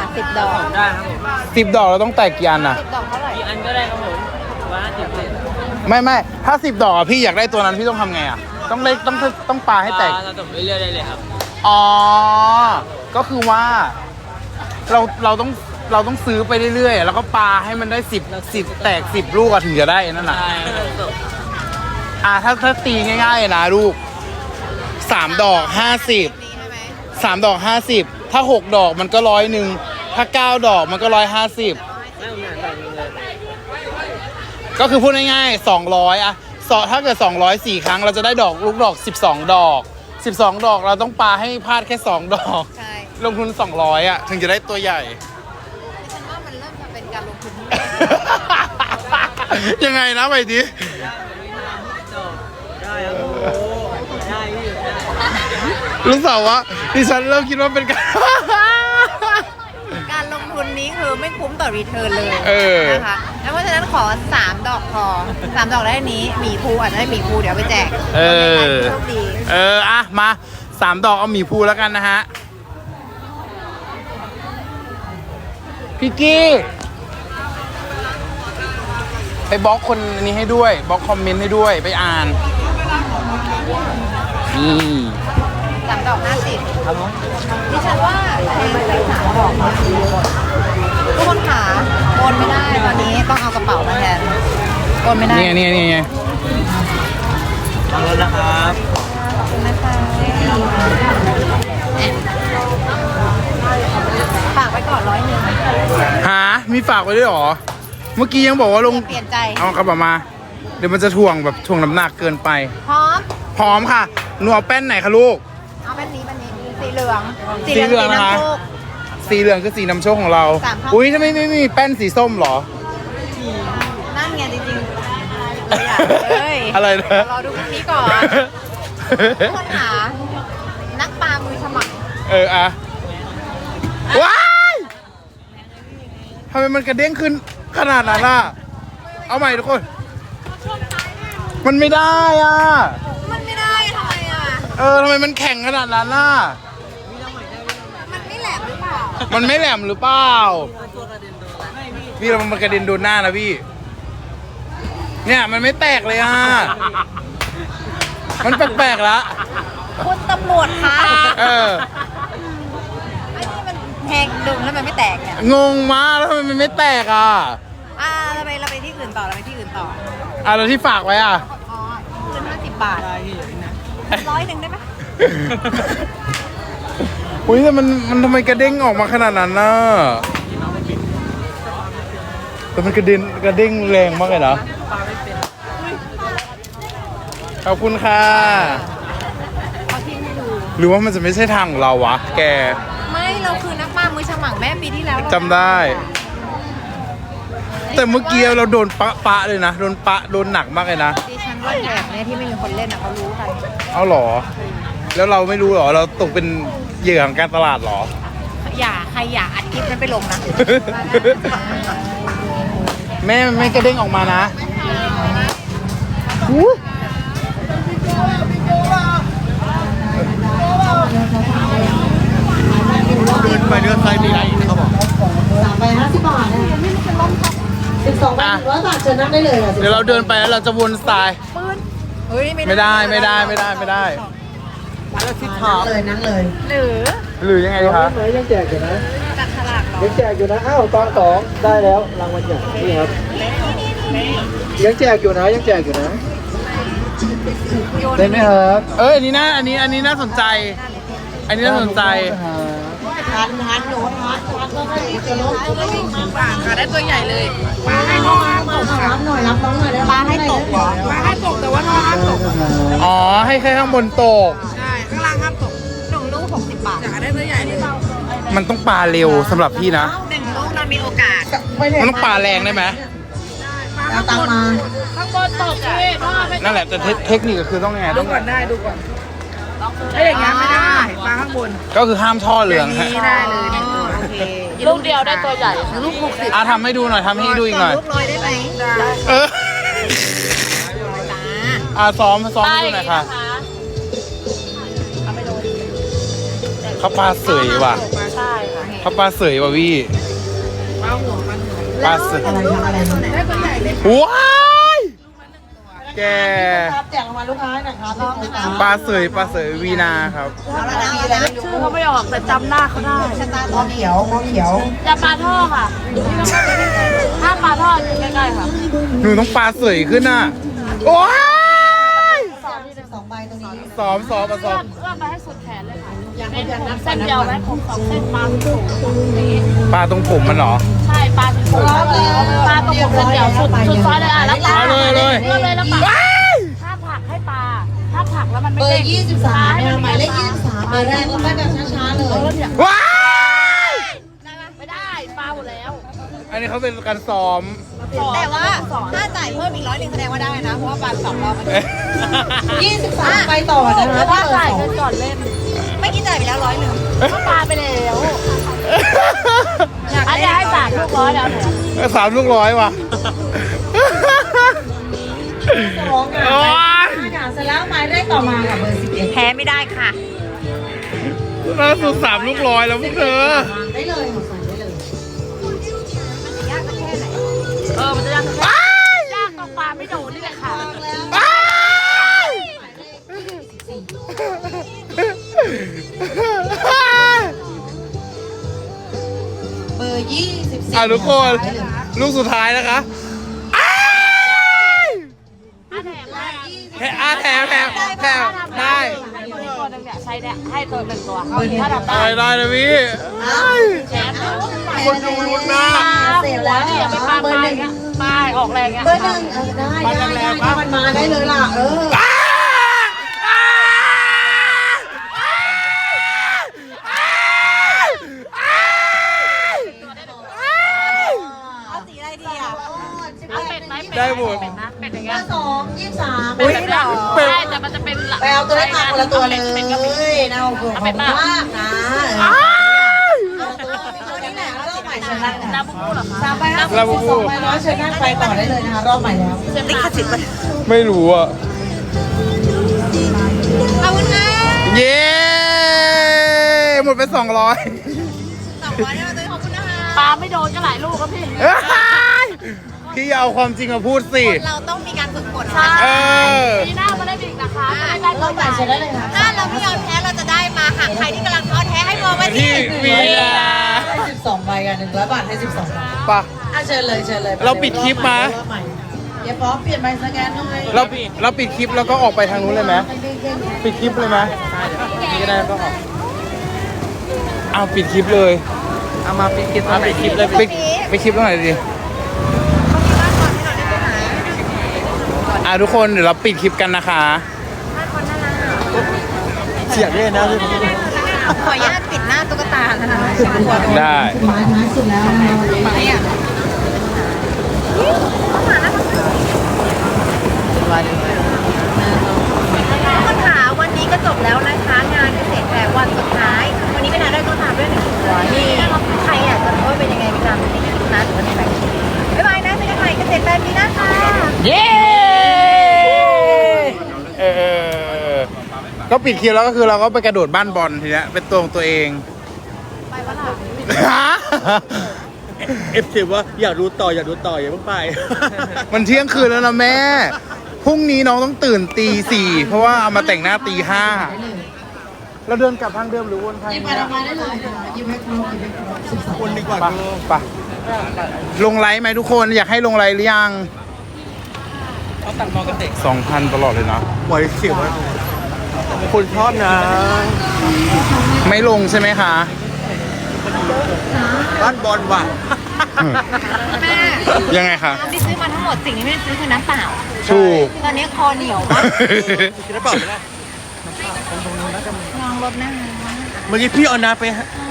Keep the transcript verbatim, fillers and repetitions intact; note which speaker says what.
Speaker 1: สิบดอก
Speaker 2: ได้ครับผม
Speaker 3: สิบดอกเราต้องแตกกี่อันอ่ะ
Speaker 1: สิบดอกเท่าไหร่
Speaker 2: กี่อันก็ได้ครับผมว่าสิบเลย
Speaker 3: ไม่ไม่ถ้าสิบดอกอะพี่อยากได้ตัวนั้นพี่ต้องทำไงอ่ะต้องเล็กต้องต้องปาให้แตก
Speaker 2: เราตบไปเรื่อยได้เลยครับ
Speaker 3: อ๋อก็คือว่าเราเราต้องเราต้องซื้อไปเรื่อยๆแล้วก็ปาให้มันได้สิบสิบแตกสิบลูกอะถึงจะได้นั่นน่ะ
Speaker 2: ใช่ครับ
Speaker 3: อ่าถ้าถ้าตีง่ายๆนะลูกสามดอกห้าสิบสามดอกห้าสิบถ้าหกดอกมันก็ร้อยหนึ่งถ้าเก้าดอกมันก็ร้อยห้าสิบ
Speaker 2: ไม่เหมือนแบบนี้เลย
Speaker 3: ก็คือพูดง่ายๆสองร้อยอะสถ้าเกิดสองร้อยสี่ครั้งเราจะได้ดอกลูกดอกสิบสองดอกสิบสองดอกเราต้องปาให้พลาดแค่สองดอก
Speaker 1: ใช่
Speaker 3: ลงทุนสองร้อยอะถึงจะได้ตัวใหญ่
Speaker 1: ฉันว่ามันเริ่มจะเป็นการลงทุนที่
Speaker 3: ยังไงนะไปดิ
Speaker 2: ได้ครับโอ้ได้พี่ได้
Speaker 3: รู้สึกว่าดิฉันเริ่มคิดว่าเป็นการ
Speaker 1: การลงทุนนี้คือไม่คุ้มต่อรีเทิร์นเลย
Speaker 3: เออ
Speaker 1: นะคะแล้วเพราะฉะนั้นขอสามดอกพอสามดอกได้นี้หมีภูอาจจะได้หมีภูเดี๋ยวไปแจก
Speaker 3: เออ
Speaker 1: โชคดี
Speaker 3: เอออะมาสามดอกเอาหมีภูแล้วกันนะฮะพี่กี้ไปบล็อกคนนี้ให้ด้วยบล็อกคอมเมนต์ให้ด้วยไปอ่านนี่
Speaker 1: สามดอกห้าสิบ
Speaker 2: ครับผม
Speaker 1: ดิฉันว่าแพงไปสามดอกนะทุกคนขาโอนไม่ได้ตอนนี้ต้องเอากระเป๋ามาแทนโอนไม่ได้
Speaker 3: เนี่ยเนี่ยเนี่ย
Speaker 2: ขอบคุณนะครับ
Speaker 1: ขอบคุณนะคะฝากไว้ก่อนร้อยหนึ่ง
Speaker 3: หามีฝากไว้ด้วยเหรอเมื่อกี้ยังบอกว่าลง
Speaker 1: เปลี่ยนใจ
Speaker 3: เอากระเป๋ามา เดี๋ยวมันจะถ่วงแบบถ่วงน้ำหนักเกินไป
Speaker 1: พร้อม
Speaker 3: พร้อมค่ะหนูเอาแป้นไหนคะลูก
Speaker 1: เอาแบบนี้แบบนี้สีเหลือง
Speaker 3: สีเหลืองนะคะ
Speaker 1: สีน้ำโชค
Speaker 3: สีเหลืองคือสีนำโชคของเรา
Speaker 1: สามเท่า
Speaker 3: อุ้ยทำไมไม่มีแป้นสีส้มเหรอ
Speaker 1: นั่นไงจริงๆตัวอย่างเลย
Speaker 3: อะไรนะ
Speaker 1: รอดูพรุ่งนี้ก่อนทุกคนหานักปลามือฉมัง
Speaker 3: เอออะว้ายทำไมมันกระเด้งขึ้นขนาดนั้นล่ะ เอาใหม่ทุกคน มันไม่ได้อ่ะ
Speaker 1: มันไม่ได้ทำไมอ่ะ
Speaker 3: เออทำไมมันแข็งขนาดนั้นล่ะ
Speaker 1: มันไม่แหลมหรือเปล่า
Speaker 3: มันไม่แหลมหรือเปล่า พี่เรามันกระเด็นโดนหน้านะพี่ เนี่ยมันไม่แตกเลยอ่ะ มันแปลกๆละ
Speaker 1: คุณตำรวจคะ
Speaker 3: เออ
Speaker 1: ไอ้นี่มันแทงดึงแล้วมันไม่แตกเนี่ย
Speaker 3: งงมากแล้วทำไมมันไม่แตกอ่ะ
Speaker 1: อ่าเราไปเราไปที่อื่นต่อเราไปที่อื่นต่อ
Speaker 3: อ่ะแล้วที่ฝากไว้อ่ะ
Speaker 1: อ๋อคืนห้าสิบบาท
Speaker 2: ได้พี่อย่างนี้นะ
Speaker 1: ร้อยหนึ่งได้ไหม
Speaker 3: อุ้ยแต่มันมันทำไมกระเด้งออกมาขนาดนั้นน่ะแต่มันกระเด็นกระเด้งแรงมากเลยนะขอบคุณค่ะ
Speaker 1: เอาที่ให้ดู
Speaker 3: หรือว่ามันจะไม่ใช่ทางของเราวะ แก
Speaker 1: ไม่เราคือนักปลามือฉมังแม่ปีที่แล้วเรา
Speaker 3: จำได้ แต่เมื่อกี้เราโดนปะปะเลยนะ โดนปะโดนหนักมากเลยนะ
Speaker 1: ดิฉันว่าแถบเนี่ยที่ไม่มีคนเล่นอ่ะเขารู้ใคร
Speaker 3: เอาเหรอ แล้วเราไม่รู้เหรอ เราตกเป็นเหยื่อของการตลาดเหรอ
Speaker 1: อย่าใครอย่าอัดคลิปนั้นไปลงนะ
Speaker 3: แม่ไม่กระเด้งออกมานะอู้เดินไปเดินไปมีอะไรอีกเขาบอก
Speaker 4: สามใบห้าสิบบาทนะสิบสองใบหนึ่งร้อยบาทเชิญนั่งได้เลยค่ะ
Speaker 3: เดี๋ยวเราเดินไปแล้วเราจะวนสาย
Speaker 1: เฮ้ย
Speaker 3: ไม่ได้ไม่ได้ไม่ได้ไม่ได้
Speaker 4: แล้วที่ถามเลยนั่งเลย
Speaker 1: หรือ
Speaker 3: หรือยังไงดีคะ
Speaker 5: ไหมยังแจกอยู่นะ
Speaker 1: จัดฉลากเหรอ
Speaker 5: ยังแจกอยู่นะ อ้าวตอนสองได้แล้วรางวัลใหญ่นี่ครับ ยังแจกอยู่นะ ยังแจกอยู่นะ ได้ไหมครับ
Speaker 3: เอ้ยอันนี้น่าอันนี้อันนี้น่าสนใจ อันนี้น่าสนใจ
Speaker 4: ทานทานหนูทานทานก็ได้จะลด
Speaker 1: ขาได้ตัวใหญ่เลย
Speaker 4: มาให้น้องรับหน่อยรับน้องหน่อยได้
Speaker 1: ปลาให้ตกเหรอปลาให้ตกแต่ว่าน้องห้ามตก
Speaker 3: อ๋อ ให้แค่ข้างบนตก
Speaker 1: ใช่ ข้างล่างห้ามตกหนึ่งลูกหกสิบบาทอยากได้ตัวใหญ่เลย
Speaker 3: มันต้องปลาเร็วสำหรับพี่นะ
Speaker 1: หนึ่งลูกเรามีโอกาส
Speaker 3: มันต้องปลาแรงได้ไหม
Speaker 4: เอาตังมา
Speaker 1: ข้างบนตกพี่พ่อไม่
Speaker 3: นั่นแหละแต่เทคเทคนิคก็คือต้องไงต้อง
Speaker 1: ก่อนได้ดูก่อนถ้าอย่างงี้ไม่ได้ปลาข้างบน
Speaker 3: ก็คือห้ามท่อเหลืองฮะ
Speaker 1: นี่ได้เลยหนึ่งตัวโอเค
Speaker 6: ลูกเดียวได้ตัวใหญ่
Speaker 1: ลูกหกสิบ
Speaker 3: อ่ะทำให้ดูหน่อยทำให้ดูอีกหน่อย
Speaker 1: ลูกร้อยได้ไหมได้
Speaker 3: เออ อ่ะซ้อมซ้อมให้ดูหน่อยค่ะเขาปลาเสยว่ะ
Speaker 6: ใช่ค่ะ
Speaker 1: โอเค
Speaker 3: เขาปลาเสยว่ะพี่ปลาเสย
Speaker 4: อะไรคะอะไรคะ
Speaker 3: ว้ายแก
Speaker 4: ครับแจกรางวัลลูกค้าหนะครับรอบนะครับ
Speaker 3: ปลาเสยปลาเสยวีนาครับ
Speaker 1: เอาละนะเอาละนะ
Speaker 6: ชื่อเขาไม่ออกแต่จำหน้าเขาได้
Speaker 1: ชะตา
Speaker 4: มอเขียวมอเขียว
Speaker 6: จะปลาท่อค่ะถ้าปลาท่ออยู่ใกล้ๆค่ะ
Speaker 3: หนูต้องปลาเสยขึ้นอ่ะ โอ้ย
Speaker 4: สองสิบสองใบตรงนี้
Speaker 3: ซ้อมซ้อมมาซ้อ
Speaker 6: เอื้อ
Speaker 3: ม
Speaker 6: มเอื้อมไปให้สุดแขนเลยค่ะเป็นผมเส้นเดียวไหมผมสองเส้นปลาสูงอย่างนี้
Speaker 3: ปลาตรงผมมันเหรอ
Speaker 6: ใช่ปลาสูงปลาตรงผมเส้นเดียวสุดสุดซอยเลยอ่ะแล้วปลา
Speaker 3: เอาเลยเลย
Speaker 6: เอื้อมเลยแล้วปลาถ้าผักให้ปลาถ้าผักแล้วมันไม่
Speaker 4: เบอ
Speaker 6: เด้ง
Speaker 4: ร์ยี่สิบสาม
Speaker 6: ปล
Speaker 4: เนี่ย
Speaker 6: ให้
Speaker 4: หมายเลขยี่สิบสามเบอร์แรกเราไปแบบช้าๆเลย
Speaker 6: เออเนี่ย
Speaker 3: ว้าย
Speaker 6: ไม่ได้ปลาหมดแล้ว
Speaker 3: อันนี้เขาเป็นการซ้อม
Speaker 1: แต่ว่าถ้าจ่ายเพิ่มอีกร้อยหนึ่งแสดงว่าได้นะ เพราะว่าปลาสองรอบ
Speaker 4: ยี่สิบสามใบต่อนะ
Speaker 6: เพ
Speaker 4: คะ
Speaker 6: ราะว่า
Speaker 4: เบอ
Speaker 6: จ่าย
Speaker 4: ร์สอง
Speaker 6: เงินก่อนเล่น
Speaker 1: ไม่อกี้จ่ายไปแล้วร้อยหนึ่ง
Speaker 6: ก็ปลาไปแล้วอันนี้ให้สามลูกร้อยแล้วเนี่ย
Speaker 3: สามลูกร้อยว่ะ
Speaker 4: สองค่ะ
Speaker 3: โอ๊ย
Speaker 4: ค่ะเสร็จแล้วหมายเลขต่อมาค่ะเบอร์สิบเอ็ด
Speaker 1: แพ้ไม่ได้ค่ะ
Speaker 3: ล่าสุดสามลูกร้อยแล้วพวกเธอ
Speaker 4: ได้เลยค่ะใส่ได้เลย
Speaker 1: ยากสักแค่ไหน
Speaker 6: เออ มันจะยากแค่ยากตรงปลาไม่โดนนี่แหละค่ะ
Speaker 3: อ้าย
Speaker 4: เบอร์ยี่สิบสี่
Speaker 3: อ่ะทุกคน ลูกสุดท้ายนะคะอ้าย
Speaker 6: ถ้าแถมได้
Speaker 3: แถมอ่ะแถมแถมแถมได้
Speaker 6: ให้ตัวนี้ตัวหนึงเนี่ยใช้ได้ให้ตัวหนึ่งตัวถ้าทำ
Speaker 3: ได้
Speaker 6: ได้
Speaker 3: ได้เลยพี่อ้าย
Speaker 6: แถม
Speaker 3: คนดูลุ้นมาก
Speaker 4: เสร็จแล้ว
Speaker 6: เนี่ยไปปลา
Speaker 4: เบอ
Speaker 6: ป
Speaker 4: ร์
Speaker 6: ลา
Speaker 4: หนึ่ง
Speaker 6: เงี้ยปลาออกแรงเงี้ย
Speaker 4: เบอร์หนึ่งเออได้ได้ได้ถ้ามันมาได้เลยล่ะ เออ
Speaker 3: อ้ายอ้ายอ้าย
Speaker 1: เอาสีอะไรดีอ่ะ
Speaker 6: เอาเป็ดไหม
Speaker 3: ได้หมด
Speaker 6: เป็ดนะเป็ดอย่าง
Speaker 4: เบ
Speaker 6: เงี้
Speaker 4: อย ร์สองยี่สิบสาม
Speaker 6: เป็ดแบบเนี้ยใช่แต่มันจะเป็น
Speaker 4: ไปเอาตัวเลขมาคนละตัวเลย
Speaker 6: เป็ดก็มี
Speaker 4: นะเอาขอบคุณมากนะ
Speaker 3: อ้าย
Speaker 4: ตัวนี้แหละรอบใหม่ชนะ
Speaker 6: น้ำบูบูเหรอคะ
Speaker 4: สามใบห้าสิบสองใบร้อยเชิญนั่งไปต่อได้เลยนะคะรอบใหม่แล้ว
Speaker 1: ลิขสิทธิ์ไป
Speaker 3: ไม่รู้อ่ะ
Speaker 1: ขอบคุณค่ะ
Speaker 3: เย้ หมดไปสองร้อย
Speaker 1: สองร้อยเนี่ยเราจะขอบคุณนะคะ
Speaker 6: ปลาไม่โดนก็หลายลูกครับพี่
Speaker 3: พี่อย่าเอาความจริงมาพูดสิ
Speaker 1: เราต้องมีการฝึกฝน
Speaker 6: ใช่
Speaker 3: เออ
Speaker 6: ปีหน้ามาได้อีกนะคะไม่ได้
Speaker 4: ร
Speaker 6: ตั
Speaker 4: อ
Speaker 6: ว
Speaker 4: บ
Speaker 6: ให
Speaker 4: ใหม่
Speaker 6: ญ่
Speaker 4: เชิญได้เลยค่ะ
Speaker 1: ถ้าเราไม่ยอมแพ้เราจะได้มาหากใครที่กำลังท้อแท้ให้โทรมา
Speaker 3: ที่
Speaker 1: ที่
Speaker 3: วีลา
Speaker 4: ให้สิบสองใบกันหนึ่งร้อยบาทให้สิบสองใบ
Speaker 3: ปะ
Speaker 4: อ่ะเชิญเลยเชิญเลย
Speaker 3: เราปิดคลิปมา
Speaker 4: รอบใหม่เดี๋ยวพร้อมเปลี่ยนใบสแกนหน่อย
Speaker 3: เราเราปิดคลิปแล้วก็ออกไปทางนู้นเลยไหมปิดคลิปเลยไหมนี่ก็ได้ก็ออกเอาปิดคลิปเลย
Speaker 2: เอามาปิดคลิปปิดคลิปเลย
Speaker 3: ปิดปิดคลิปตรงไหนดีอ่ะทุกคนเดี๋ยวเราปิดคลิปกันนะคะ
Speaker 2: เสียงเลยนะพี่
Speaker 1: ขออนุญาตปิดหน้าตุ๊กตานะคะฉันกลัวโดน
Speaker 3: ได้
Speaker 4: สุดท้ายท้ายสุดแล้วนะคะ
Speaker 1: ไหมอ่ะทุกคนค่ะวันนี้ก็จบแล้วนะคะงานเกษตรแฟร์วันสุดท้าย วันนี้ก็ได้ตุ๊กตาด้วยหนึ่งตัวนี่ใครอยากจะรู้ว่าเป็นยังไงไปตามในคลิปนะหรือว่าในแบงค์บ๊ายบายนะเจอกันใหม่เกษตรแฟร์ปีหน้าค่ะ
Speaker 6: เย้
Speaker 3: เออก็ปิดคลิปแล้วก็คือเราก็ไปกระโดดบ้านบอลทีเนี้ยเป็นตัวของตัวเอง
Speaker 1: ไปวะล่ะ
Speaker 2: เอฟซีว่าอยากดูต่ออยากดูต่ออย่าเพิ่งไป
Speaker 3: มันเที่ยงคืนแล้วนะแม่ พรุ่งนี้น้องต้องตื่นตีสี่เพราะว่าเอามาแต่งหน้าตีห้าเราเดินกลับทางเดิมหรือวนทาง
Speaker 4: หยิบ
Speaker 3: นี้
Speaker 4: ไปทำไมได้เลยค่ะหยิบให้ครบหยิบให้ครบสิบสอง
Speaker 2: คนดีกว่า
Speaker 3: ปะปะลงไลฟ์ไหมทุกคนอยากให้ลงไลฟ์หรือยัง
Speaker 2: เขาตังมองกันเด็ก
Speaker 3: สองพันตลอดเลยนะ
Speaker 2: ปล่อยเสียงว่าคนชอบนะ
Speaker 3: ไม่ลงใช่ไหมคะ
Speaker 2: บ้านบอลว่ะ
Speaker 1: แม่
Speaker 3: ยังไงคะ
Speaker 1: น้ำที่ซื้อมาทั้งหมดสิ่งที่ไม่ได้ซื้อคือน้ำเปล่า
Speaker 3: ถูก
Speaker 1: ตอนนี้คอเหนียวมาก
Speaker 2: คิดได้เปล่าไม่ได้
Speaker 1: ลองรถนะคะ
Speaker 2: เมื่อกี้พี่เอาน้ำไป